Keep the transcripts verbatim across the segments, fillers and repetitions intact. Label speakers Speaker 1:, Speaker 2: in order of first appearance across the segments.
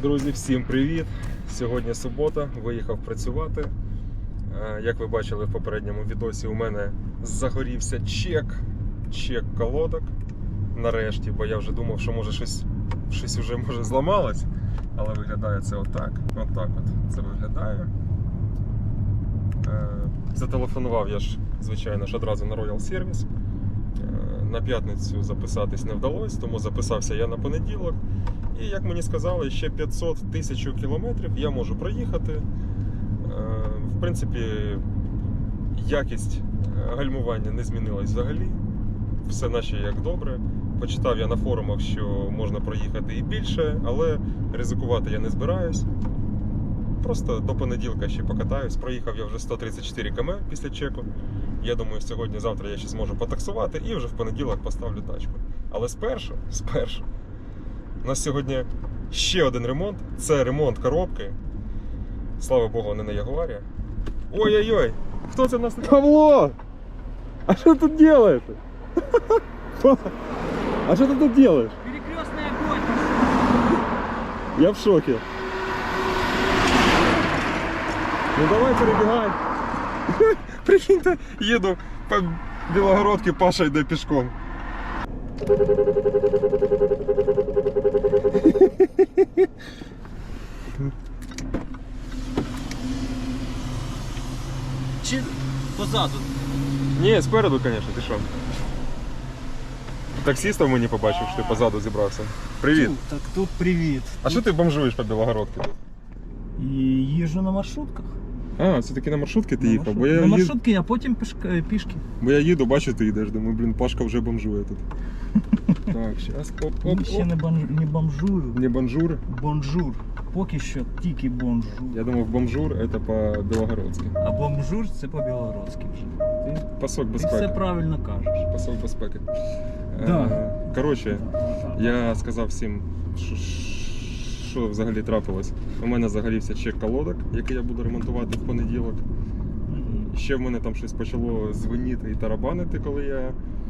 Speaker 1: Друзі, всім привіт! Сьогодні субота, виїхав працювати. Як ви бачили в попередньому відосі, у мене загорівся чек, чек колодок. Нарешті, бо я вже думав, що може щось, щось вже може зламалось. Але виглядає це отак. Отак от це виглядає. Зателефонував я ж, звичайно ж, одразу на Royal Service. На п'ятницю записатись не вдалося, тому записався я на понеділок. І, як мені сказали, ще п'ятсот тисяч кілометрів я можу проїхати. В принципі, якість гальмування не змінилась взагалі. Все наче як добре. Почитав я на форумах, що можна проїхати і більше, але ризикувати я не збираюсь. Просто до понеділка ще покатаюсь. Проїхав я вже сто тридцять чотири кілометри після чеку. Я думаю, сьогодні-завтра я ще зможу потаксувати і вже в понеділок поставлю тачку. Але спершу, спершу, у нас сьогодні ще один ремонт. Це ремонт коробки. Слава Богу, не на Ягуарі. Ой-ой-ой! Хто це в нас? Павло! А що тут делаете? А что ты тут делаешь?
Speaker 2: Перекрестный огонь!
Speaker 1: Я в шоке. Ну давай перебегай. Прикиньте, їду по Білогородці, Паша йде пішком.
Speaker 2: Чи позаду?
Speaker 1: Ні, спереду, звісно, ти що? Таксистів ми не побачив, що ти позаду зібрався. Привіт.
Speaker 2: Тут, так тут привіт.
Speaker 1: А що ти бомжуєш по Білогородці?
Speaker 2: І їжджу на маршрутках.
Speaker 1: А, все-таки на маршрутки ти
Speaker 2: На
Speaker 1: їхав?
Speaker 2: маршрут-
Speaker 1: Бо я,
Speaker 2: на
Speaker 1: їду,
Speaker 2: маршрутки, а потім пішки. пішки.
Speaker 1: бо я їду, бачу, ти йдеш. Думаю, блін, Пашка вже бомжує тут. Так, зараз, оп, оп,
Speaker 2: Ми ще
Speaker 1: оп.
Speaker 2: не, бон, не бомжую.
Speaker 1: Не бонжур.
Speaker 2: Бонжур. Поки що тільки бонжур.
Speaker 1: Я думав, бомжур це по-білогородськи.
Speaker 2: А бомжур це по-білоруськи вже. Ти,
Speaker 1: Пасок
Speaker 2: ти все
Speaker 1: безпеки.
Speaker 2: правильно кажеш.
Speaker 1: Пасок безпеки.
Speaker 2: Да.
Speaker 1: Е, Коротше, я сказав всім, що, що взагалі трапилось. У мене загорівся чек колодок, який я буду ремонтувати в понеділок.
Speaker 2: Мгм.
Speaker 1: Ще в мене там щось почало дзвеніти і тарабанити, коли я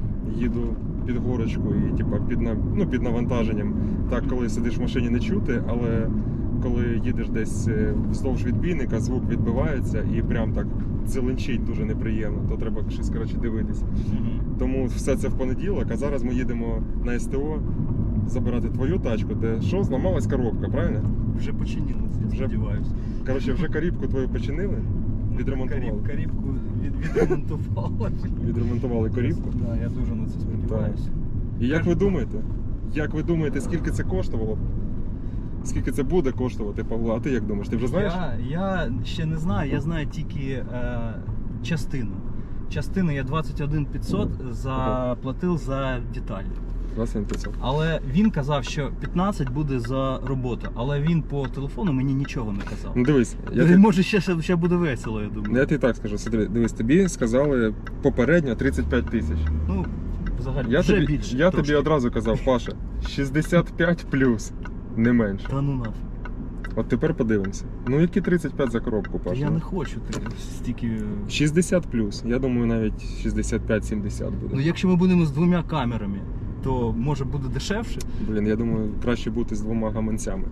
Speaker 1: їду під горочку і типа, під, на- ну, під навантаженням. Так, коли сидиш в машині, не чути, але коли їдеш десь е, вздовж відбійника, звук відбивається і прям так дзеленчить дуже неприємно, то треба щось, коротше, дивитись.
Speaker 2: Мгм.
Speaker 1: Тому все це в понеділок, а зараз ми їдемо на СТО забирати твою тачку, де що, зламалась коробка, правильно?
Speaker 2: Вже починилось, я
Speaker 1: Вже-
Speaker 2: сподіваюся.
Speaker 1: Коротше, вже карібку твою починили, відремонтували.
Speaker 2: Каріб, карібку від, відремонтували.
Speaker 1: Відремонтували корібку.
Speaker 2: Да, я дуже на це сподіваюся.
Speaker 1: І як ви думаєте? Як ви думаєте, скільки це коштувало? Скільки це буде коштувати, Павло? А ти як думаєш? Ти вже знаєш?
Speaker 2: Я, я ще не знаю, я знаю тільки е, частину. Частину я двадцять один п'ятсот заплатив за деталі.
Speaker 1: двадцять п'ятсот.
Speaker 2: Але він казав, що п'ятнадцять буде за роботу. Але він по телефону мені нічого не казав.
Speaker 1: Ну дивись, я,
Speaker 2: Е,
Speaker 1: ти,
Speaker 2: Може ще, ще, ще буде весело, я думаю.
Speaker 1: я тобі так скажу, смотри, дивись, тобі сказали попередньо тридцять п'ять тисяч.
Speaker 2: Ну, взагалі,
Speaker 1: Я,
Speaker 2: вже
Speaker 1: тобі,
Speaker 2: більше.
Speaker 1: я
Speaker 2: трошки.
Speaker 1: тобі одразу казав, Паша, шістдесят п'ять плюс, не менше.
Speaker 2: Та ну нафіг.
Speaker 1: От тепер подивимося. Ну які тридцять п'ять за коробку,
Speaker 2: Та
Speaker 1: Паша?
Speaker 2: я не хочу так, стільки.
Speaker 1: шістдесят плюс. Я думаю, навіть шістдесят п'ять сімдесят буде.
Speaker 2: Ну, якщо ми будемо з двома камерами, то може буде дешевше.
Speaker 1: Блін, я думаю, краще бути з двома гаманцями.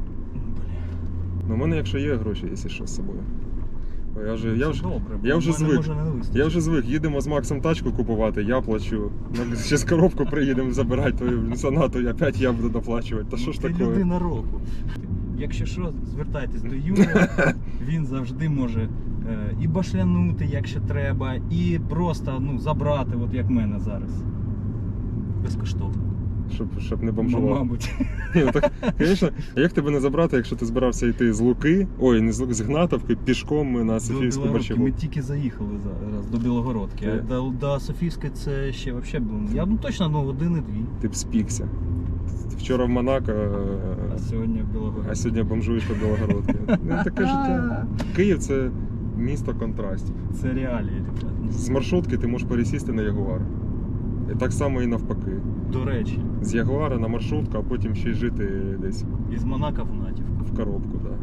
Speaker 1: Ну, у мене, якщо є гроші, якщо що з собою. Бо Я вже, я вже,
Speaker 2: добре, бо
Speaker 1: я вже
Speaker 2: в мене
Speaker 1: звик.
Speaker 2: може не вистачить.
Speaker 1: я вже звик, їдемо з Максом тачку купувати, я плачу. Ну, ще з коробку приїдемо забирати твою сонату, і опять я буду доплачувати. Та що ж
Speaker 2: Ти
Speaker 1: таке?
Speaker 2: людина року. Якщо що, звертайтесь до Юрія, він завжди може е, і башлянути, якщо треба, і просто ну, забрати, от як мене зараз. Безкоштовно.
Speaker 1: Щоб, щоб не бомжував.
Speaker 2: Мабуть.
Speaker 1: Ні, ну так, звісно, як тебе не забрати, якщо ти збирався йти з Луки, ой, не з Луки, з Гнатовки, пішком на
Speaker 2: До
Speaker 1: Софіївську
Speaker 2: Білогородки
Speaker 1: Борщагу.
Speaker 2: ми тільки заїхали зараз до Білогородки.
Speaker 1: Ти-
Speaker 2: А до, до Софійської це ще взагалі було. Я ну, точно ну, години-дві.
Speaker 1: Ти б спікся. Вчора в Монако,
Speaker 2: А сьогодні в Білогородці.
Speaker 1: а сьогодні бомжуєш по Білогородці. Ну, таке життя. Київ – це місто контрастів.
Speaker 2: Це реалії, ребят.
Speaker 1: З маршрутки ти можеш пересісти на Ягуар. І так само і навпаки.
Speaker 2: До речі,
Speaker 1: З Ягуара на маршрутку, а потім ще й жити десь
Speaker 2: із Монако в Натівку.
Speaker 1: в коробку. Да.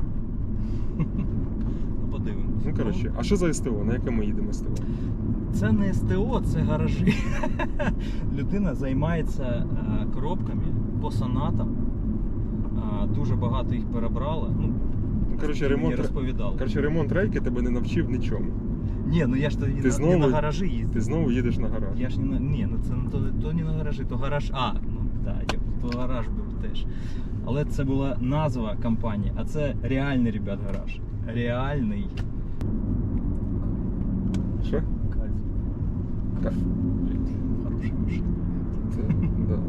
Speaker 2: Ну, подивимось.
Speaker 1: Ну, коротше, а що за СТО? На яке ми їдемо СТО?
Speaker 2: Це не СТО, це гаражі. Людина займається е, коробками по сонатам дуже багато їх перебрало. Ну,
Speaker 1: Коротше,
Speaker 2: мені
Speaker 1: ремонт,
Speaker 2: розповідали.
Speaker 1: коротше, ремонт рейки тебе не навчив нічому.
Speaker 2: Ні, ну я ж тоді
Speaker 1: Ти
Speaker 2: на,
Speaker 1: знову-
Speaker 2: не на гаражі їздив.
Speaker 1: Ти знову їдеш на гараж.
Speaker 2: Я ж не на. Ні, ну це не то, то не на гаражі, то гараж. А, ну так, да, то гараж був теж. Але це була назва компанії, а це реальний, ребят, гараж. Реальний.
Speaker 1: Що?
Speaker 2: Кайф.
Speaker 1: Кайф.
Speaker 2: Хороша машина.
Speaker 1: Це, да.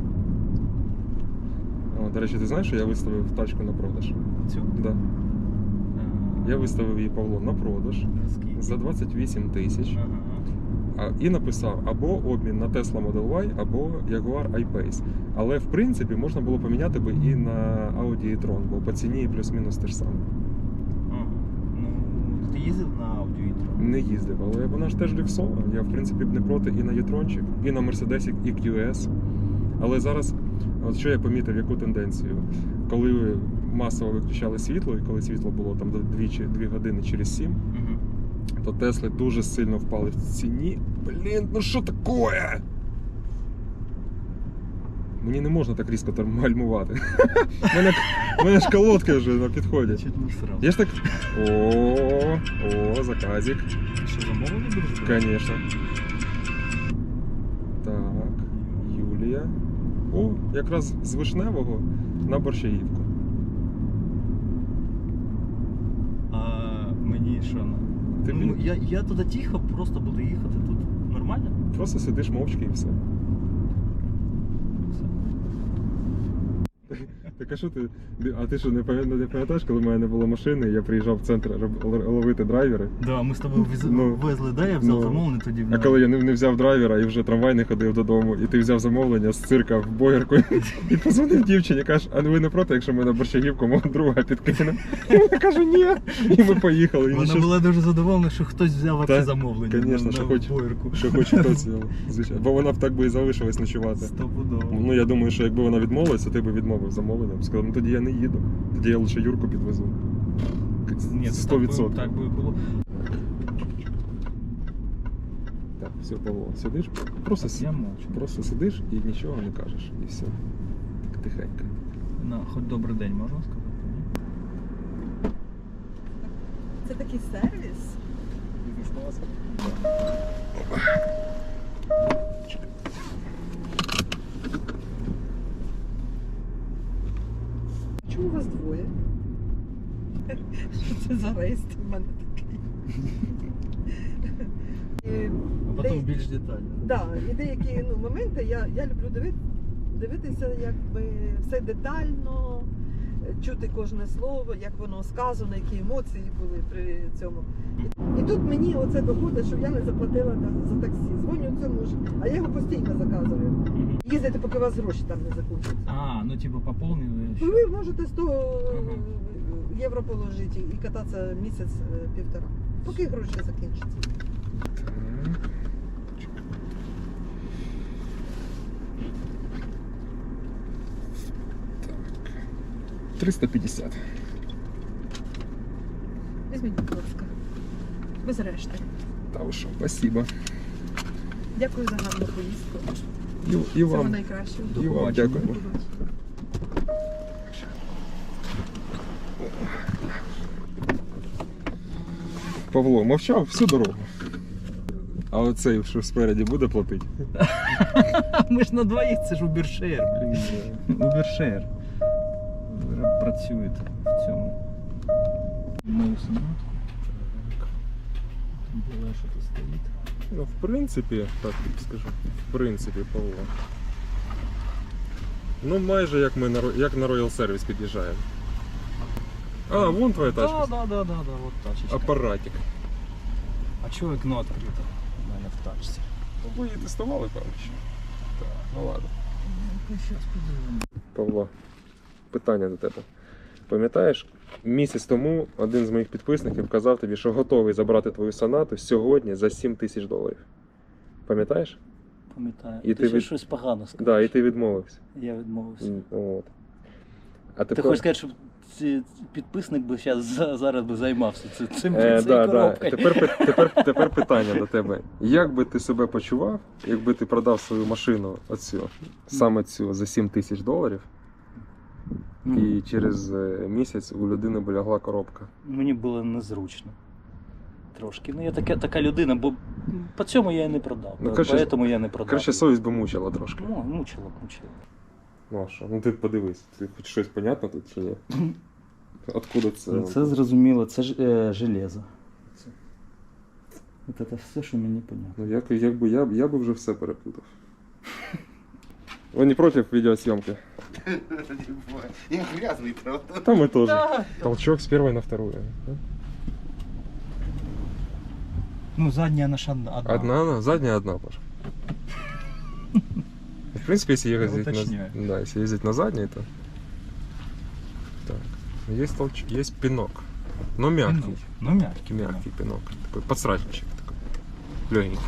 Speaker 1: О, до речі, ти знаєш, що я виставив тачку на продаж?
Speaker 2: Цю?
Speaker 1: Да.
Speaker 2: А,
Speaker 1: Я виставив її, Павло, на продаж
Speaker 2: скільки?
Speaker 1: за двадцять вісім тисяч.
Speaker 2: Ага.
Speaker 1: А, і написав або обмін на Tesla Model Y, або Jaguar I-Pace. Але в принципі можна було поміняти би і на Audi e-tron, бо по ціні плюс-мінус те ж саме.
Speaker 2: Ага. Ну, ти їздив на Audi e-tron?
Speaker 1: Не їздив, але вона ж теж люксова. Я в принципі б не проти і на e-tronчик, і на Mercedes і кью ес. Але зараз, от що я помітив, яку тенденцію? Коли масово виключали світло, і коли світло було там двічі, дві години через сім,
Speaker 2: Угу.
Speaker 1: то Тесли дуже сильно впали в ціні. Блін, ну що таке? Мені не можна так різко там гальмувати. У мене, у мене ж колодки вже на підході.
Speaker 2: Чуть не сразу.
Speaker 1: Я ж так. О, о, заказик.
Speaker 2: Ти що, замовлення будеш брати?
Speaker 1: Конечно. Так, Юлія. О, якраз з Вишневого на Борщаївку.
Speaker 2: А мені що? ну,
Speaker 1: Ти
Speaker 2: ну,
Speaker 1: мені-
Speaker 2: я, я туди тихо просто буду їхати тут. Нормально?
Speaker 1: Просто сидиш мовчки і все.
Speaker 2: Все.
Speaker 1: Так а що ти? А ти що не пам'ятаєш, не пам'ятаєш, коли в мене не було машини, я приїжджав в центр роб- л- ловити драйвери.
Speaker 2: Да, ми з тобою вез...
Speaker 1: Ну,
Speaker 2: везли, да, я взяв
Speaker 1: ну,
Speaker 2: замовлення тоді.
Speaker 1: А коли я не, не взяв драйвера і вже трамвай не ходив додому, і ти взяв замовлення з цирка в Боярку і позвонив дівчині, кажеш, а ви не проти, якщо ми на Борщагівку мого друга підкинемо? І вона каже, ні. І ми поїхали. І
Speaker 2: Вона
Speaker 1: нічого-
Speaker 2: була дуже задоволена, що хтось взяв
Speaker 1: Та,
Speaker 2: це замовлення.
Speaker 1: конечно,
Speaker 2: на,
Speaker 1: що
Speaker 2: на
Speaker 1: хоч-
Speaker 2: Боярку.
Speaker 1: Що хоч хтось взяв, звичайно. Бо вона б так би і залишилась ночувати.
Speaker 2: Стопудово.
Speaker 1: Ну я думаю, що якби вона відмовилася, ти би відмовив замовленням. Сказав, ну тоді я не їду, тоді я лише Юрку підвезу.
Speaker 2: Ні,
Speaker 1: Сто
Speaker 2: так би-
Speaker 1: відсотків.
Speaker 2: Так би було.
Speaker 1: Так, все, Павло, сидиш, просто, с-
Speaker 2: Я мовчу.
Speaker 1: просто сидиш і нічого не кажеш. І все. Так тихенько.
Speaker 2: На, хоч добрий день, можна сказати? Ні?
Speaker 3: Це такий сервіс.
Speaker 1: Бізнес-клас.
Speaker 3: Чому вас двоє? Що це за рейс в мене такий? І,
Speaker 2: А потім
Speaker 3: де-
Speaker 2: більш детально.
Speaker 3: да, і деякі ну, моменти я, я люблю диви- дивитися, якби все детально, чути кожне слово, як воно сказано, які емоції були при цьому. І, і тут мені оце доходить, що я не заплатила за- за таксі. Дзвоню цьому ж, а я його постійно заказую.
Speaker 2: Мгм.
Speaker 3: Їздити, поки у вас гроші там не закінчаться.
Speaker 2: А, ну типу поповнили.
Speaker 3: Ну, ви можете сто
Speaker 2: Ага.
Speaker 3: євро положити і кататися місяць-півтора, поки гроші закінчаться.
Speaker 1: Так. триста п'ятдесят.
Speaker 3: Візьміть, будь ласка. Без решти.
Speaker 1: Та ви що, спасибо.
Speaker 3: Дякую за гарну поїздку.
Speaker 1: І, і
Speaker 3: Всього
Speaker 1: вам,
Speaker 3: найкращого.
Speaker 1: і вам
Speaker 2: побачення.
Speaker 1: дякую.
Speaker 3: До побачення.
Speaker 1: Павло мовчав всю дорогу. А оцей, що спереді, буде платити?
Speaker 2: Ми ж на двоїх, це ж Убершер, блін. Убершер. Працюєте в цьому. Мою сонатку. Там було, що тут стоїть.
Speaker 1: Ну, в принципі, так тобі скажу. В принципі, Павло. Ну, майже як ми на, Ро- як на Royal Service під'їжджаємо. А, вон твоя
Speaker 2: Так,
Speaker 1: тачка.
Speaker 2: так, так, так, так, от тачечка.
Speaker 1: Апаратик.
Speaker 2: А чого вікно відкрите? У мене в тачці.
Speaker 1: Ну, ви її тестували, певно, ще. Так, ну ладно.
Speaker 2: Щас подивимо.
Speaker 1: Павло, питання до тебе. Пам'ятаєш, місяць тому один з моїх підписників казав тобі, що готовий забрати твою сонату сьогодні за сім тисяч доларів. Пам'ятаєш?
Speaker 2: Пам'ятаю.
Speaker 1: І
Speaker 2: ти
Speaker 1: ти
Speaker 2: ще
Speaker 1: від-
Speaker 2: щось погано сказав.
Speaker 1: Так, да, і ти відмовився.
Speaker 2: Я відмовився.
Speaker 1: М, От. А
Speaker 2: Ти
Speaker 1: тепер...
Speaker 2: хочеш сказати, що ці- підписник би зараз, зараз би займався цим, цим
Speaker 1: Е,
Speaker 2: цією
Speaker 1: да, да.
Speaker 2: коробкою.
Speaker 1: Тепер, пи- тепер, тепер питання до тебе. Як би ти себе почував, якби ти продав свою машину оцю, саме цю за сім тисяч доларів,
Speaker 2: Ну,
Speaker 1: і через е, місяць у людини полягла коробка.
Speaker 2: Мені було незручно. Трошки. Ну, я така, така людина, бо по цьому я і не продав.
Speaker 1: Ну,
Speaker 2: Ну,
Speaker 1: коротше,
Speaker 2: Поэтому я не продав.
Speaker 1: Коротше, совість би мучила трошки.
Speaker 2: Ну, мучило, мучило.
Speaker 1: Ну а що? Ну ти подивись, ти хоч щось понятно тут чи ні? Откуда це?
Speaker 2: Ну, це зрозуміло, це ж е, железо. Це. От це все, що мені понятно.
Speaker 1: Ну як, якби я, я би вже все переплутав. Ви не проти відеосйомки?
Speaker 4: Я грязный, правда?
Speaker 1: Там ми теж. Толчок з першої на вторую. да?
Speaker 2: Ну, задня наша одна.
Speaker 1: Одна она, задняя одна, Паша. В принципе, если
Speaker 2: Я
Speaker 1: ездить,
Speaker 2: уточняю.
Speaker 1: на, да, если ездить на задней, то так. Есть толч... есть пинок, но мягкий,
Speaker 2: Пинок. Ну, мягкий.
Speaker 1: мягкий пинок, такой подсрачничек такой, легенький.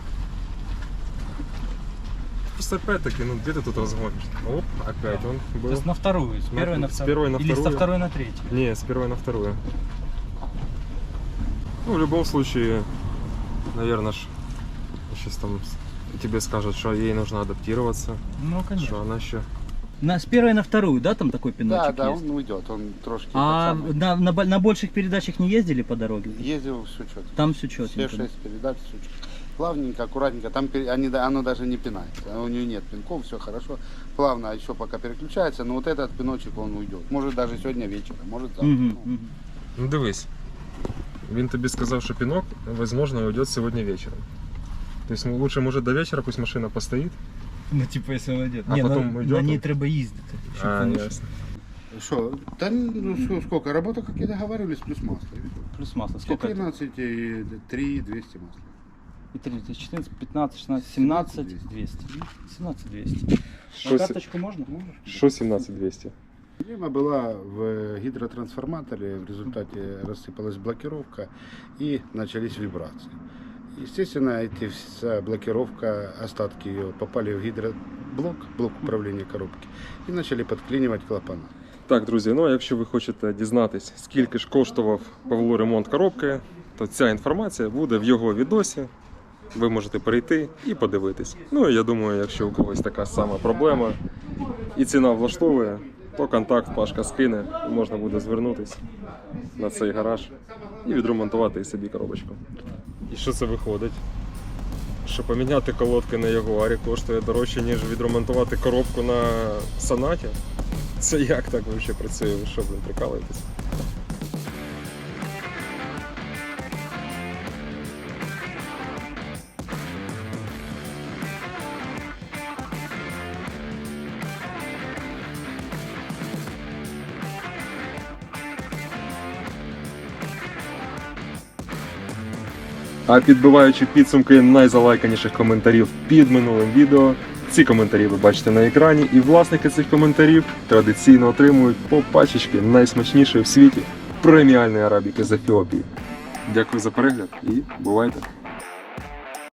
Speaker 1: Просто опять-таки, ну где ты тут разгонишь? Оп, опять он
Speaker 2: То
Speaker 1: был.
Speaker 2: есть на вторую, с
Speaker 1: На-
Speaker 2: первой на
Speaker 1: с
Speaker 2: вторую.
Speaker 1: первой на
Speaker 2: Или со
Speaker 1: вторую.
Speaker 2: второй на третью.
Speaker 1: Не, с первой на вторую. Ну, в любом случае, наверное, ж, сейчас там тебе скажут, что ей нужно адаптироваться,
Speaker 2: Ну, конечно.
Speaker 1: что она еще...
Speaker 2: На, с первой на вторую, да, там такой
Speaker 4: Да,
Speaker 2: пиночек
Speaker 4: да,
Speaker 2: есть?
Speaker 4: он уйдет, он трошки
Speaker 2: А
Speaker 4: этот самый.
Speaker 2: на, на, бо- на больших передачах не ездили по дороге?
Speaker 4: Ездил все четко.
Speaker 2: Там все
Speaker 4: Все
Speaker 2: четенько.
Speaker 4: шесть передач, все четко. Плавненько, аккуратненько, там пере- они, да- оно даже не пинается, у нее нет пинков, все хорошо. Плавно еще пока переключается, но вот этот пиночек он уйдет. Может даже сегодня вечером, может завтра.
Speaker 2: Мгм,
Speaker 4: Ну,
Speaker 2: мгм.
Speaker 1: Ну дивись, він тобі сказав, що пінок, возможно, уйдет сегодня вечером. То есть ну, лучше, может, до вечера пусть машина постоит.
Speaker 2: Ну, типу, якщо вона йде.
Speaker 1: А
Speaker 2: Ні,
Speaker 1: потім
Speaker 2: на,
Speaker 1: йде
Speaker 2: на ній
Speaker 1: там?
Speaker 2: треба їздити. щоб
Speaker 1: А,
Speaker 2: воно
Speaker 1: ясно.
Speaker 4: Что? Да ну сколько, сколько? Работа, как и договаривались, плюс масло. и всё.
Speaker 2: Плюс масло. Сколько это?
Speaker 4: четырнадцать, и три двести масла.
Speaker 2: И три, то есть четырнадцать, пятнадцать, шестнадцать, семнадцать, двести. семнадцать, двести.
Speaker 1: Що
Speaker 2: А
Speaker 1: сі-
Speaker 2: карточку можно?
Speaker 1: Що сімнадцять двісті?
Speaker 4: Проблема была в гидротрансформаторе, в результате рассыпалась блокировка и начались вибрации. Естественно, эти вся блокировка, остатки ее попали в гидроблок, блок управления коробки, и начали подклинивать клапана.
Speaker 1: Так, друзі, ну а якщо ви хочете дізнатись, скільки ж коштував Павлу ремонт коробки, то ця інформація буде в його відосі. Ви можете перейти і подивитись. Ну і я думаю, якщо у когось така сама проблема і ціна влаштовує, то контакт Пашка скине і можна буде звернутись на цей гараж і відремонтувати собі коробочку. І що це виходить? Що поміняти колодки на Ягуарі коштує дорожче, ніж відремонтувати коробку на Сонаті? Це як так взагалі працює? Ви що, блин, прикалуєтесь? А підбиваючи підсумки найзалайканіших коментарів під минулим відео, ці коментарі ви бачите на екрані, і власники цих коментарів традиційно отримують по пачечки найсмачнішої в світі преміальної арабіки з Ефіопії. Дякую за перегляд і бувайте!